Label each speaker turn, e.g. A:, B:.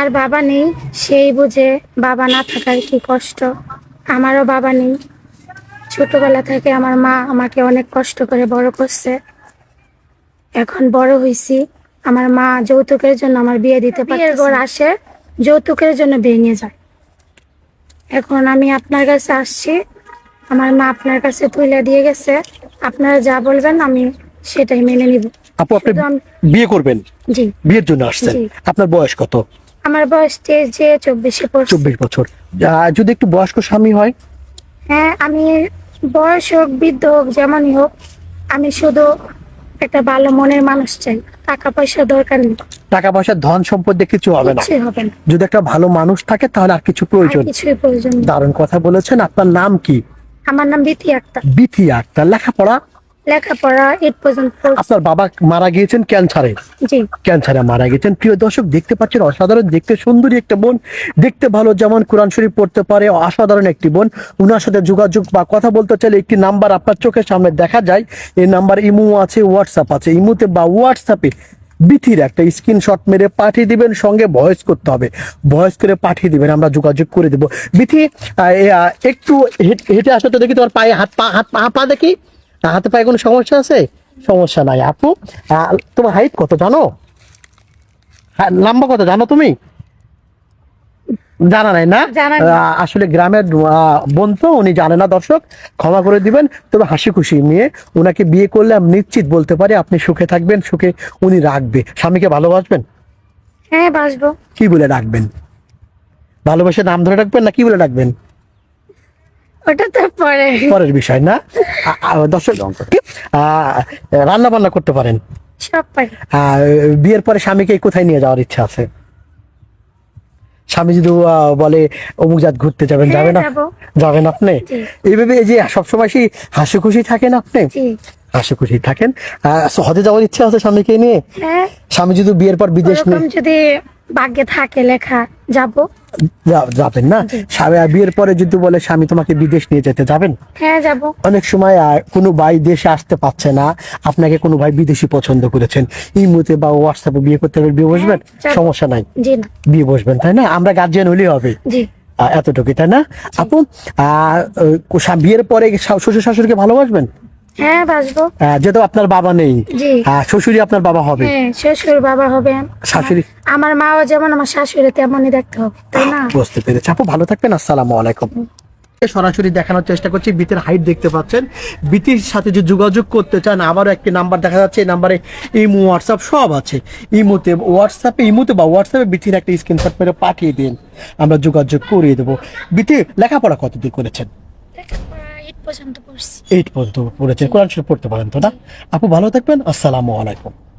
A: আর বাবা নেই, সেই বুঝে বাবা না থাকার কি কষ্ট। আমারও বাবা নেই। ছোটবেলা থেকে আমার মা আমাকে অনেক কষ্ট করে বড় করছে। এখন বড় হয়েছি, আমার মা যৌতুকের জন্য আমার বিয়ে দিতে পারে। বিয়ের ঘর আসে, যৌতুকের জন্য ভেঙে যায়। এখন আমি আপনার কাছে আসছি, আমার মা আপনার কাছে তুলে দিয়ে গেছে। আপনারা যা বলবেন আমি সেটাই মেনে নিব।
B: আপু, আপনি
A: শুধু
B: বিয়ে করবেন?
A: জি।
B: বিয়ের জন্য আসছেন?
A: জি।
B: আপনার বয়স কত?
A: আমার বয়স যে 24-এ পড়ছে।
B: 24 বছর। যদি একটু বয়স্ক স্বামী হয়?
A: হ্যাঁ, আমি বয়স হোক বৃদ্ধ হোক যেমনই হোক, আমি শুধু একটা ভালো মনের মানুষ চাই। টাকা পয়সা দরকার নেই,
B: টাকা পয়সা ধন সম্পদ দিয়ে কিছু হবে না।
A: কিছুই হবে না।
B: যদি একটা ভালো মানুষ থাকে তাহলে আর কিছু
A: আর
B: প্রয়োজন।
A: কিছুই প্রয়োজন নেই।
B: দারুণ কথা বলেছেন। আপনার নাম কি?
A: আমার নাম বিথি আক্তার।
B: বিথি আক্তার। লেখাপড়া?
A: লেখাপড়া 8 পর্যন্ত পড়ছি।
B: আপনার বাবা মারা গিয়েছেন ক্যান্সারে?
A: জি।
B: ক্যান্সারে মারা গেছেন। প্রিয় দর্শক, দেখতে পাচ্ছেন অসাধারণ দেখতে সুন্দরী একটা বোন, দেখতে ভালো, যেমন কোরআন শরীফ পড়তে পারে, অসাধারণ একটি বোন। উনার সাথে যোগাযোগ বা কথা বলতে চাইলে একটি নাম্বার আপনার চোখের সামনে দেখা যায়। এই নাম্বার ইমো আছে, হোয়াটসঅ্যাপ আছে। ইমোতে বা হোয়াটসঅ্যাপে বিথির একটা স্ক্রিনশট মেরে পাঠিয়ে দিবেন, সঙ্গে ভয়েস করতে হবে। ভয়েস করে পাঠিয়ে দিবেন, আমরা যোগাযোগ করে দেবো। বিথি, একটু হেঁটে আসো তো দেখি, তোমার পায়ে হাত পা দেখি। হাতে পায়ে কোনো সমস্যা আছে? সমস্যা নাই আপু। তোমার হাইট কত জানো? লম্বা কত জানো তুমি? জানা নাই না?
A: জানা নেই।
B: আসলে গ্রামের বোন তো, উনি জানে না। দর্শক ক্ষমা করে দিবেন। তবে হাসি খুশি নিয়ে ওনাকে বিয়ে করলে আমি নিশ্চিত বলতে পারি আপনি সুখে থাকবেন, সুখে উনি রাখবে। স্বামীকে ভালোবাসবেন?
A: হ্যাঁ, বাসবো।
B: কি বলে রাখবেন? ভালোবাসে নাম ধরে রাখবেন না কি বলে রাখবেন?
A: ওটা তো পরে।
B: পরের বিষয় না। দর্শক, রান্না বান্না করতে পারেন?
A: সব পারি।
B: বিয়ের পরে স্বামীকে কোথায় নিয়ে যাওয়ার ইচ্ছা আছে? স্বামী যদি বলে অমুক জাত ঘুরতে যাবেন,
A: হ্যাঁ,
B: যাবেন?
A: যাবো।
B: যাবেন আপনি?
A: জি।
B: এইভাবে এই যে সবসময় সেই হাসি খুশি থাকেন আপনি?
A: জি।
B: হাসি খুশি থাকেন। হজে যাওয়ার ইচ্ছা আছে স্বামীকে নিয়ে?
A: হ্যাঁ,
B: স্বামী যদি বিয়ের পর বিদেশ
A: ওরকম যদি ভাগ্যে থাকে লেখা, যাবো।
B: যাবেন না?
A: জি।
B: বিয়ের পরে যদি বলে স্বামী তোমাকে বিদেশ নিয়ে যেতে, যাবেন?
A: হ্যাঁ, যাবো।
B: অনেক সময় কোনো ভাই দেশে আসতে পারছে না, আপনাকে কোনো ভাই বিদেশি পছন্দ করেছেন, ইমোতে বা হোয়াটসঅ্যাপে বিয়ে করতে হবে, বিয়ে বসবেন?
A: যাবো।
B: সমস্যা নাই,
A: জি না।
B: বিয়ে বসবেন, তাই না? আমরা গার্জিয়ান হলেই হবে।
A: জি।
B: এতটুকুই, তাই না আপু? বিয়ের পরে শ্বশুর শাশুড়িকে ভালোবাসবেন?
A: হ্যাঁ, বাসবো।
B: যেহেতু আপনার বাবা নেই,
A: জি।
B: শ্বশুরই আপনার বাবা হবে।
A: হ্যাঁ, শ্বশুর বাবা হবে।
B: শাশুড়ি?
A: আমার মাও যেমন আমার শাশুড়ি তেমনই দেখতে হবে, তাই না?
B: বুঝতে পেরেছি আপু, ভালো থাকবেন। আসসালামু আলাইকুম। সরাসরি দেখানোর চেষ্টা করছি। বিতির হাইট দেখতে পাচ্ছেন। বিতির সাথে যে যোগাযোগ করতে চান, আবারও একটি নাম্বার দেখা যাচ্ছে। এই নাম্বারে ইমো, হোয়াটসঅ্যাপ সব আছে। ইমোতে বা হোয়াটসঅ্যাপে বিতির একটা স্ক্রিনশট মেরে পাঠিয়ে দিন, আমরা যোগাযোগ করিয়ে দেবো। বিতি লেখাপড়া কতদূর করেছেন?
A: লেখাপড়া 8 পর্যন্ত পড়ছি।
B: 8 পর্যন্ত পড়েছেন। কোরআন শরীফ পড়তে পারেন তো না? আপু ভালো থাকবেন। আসসালামু আলাইকুম।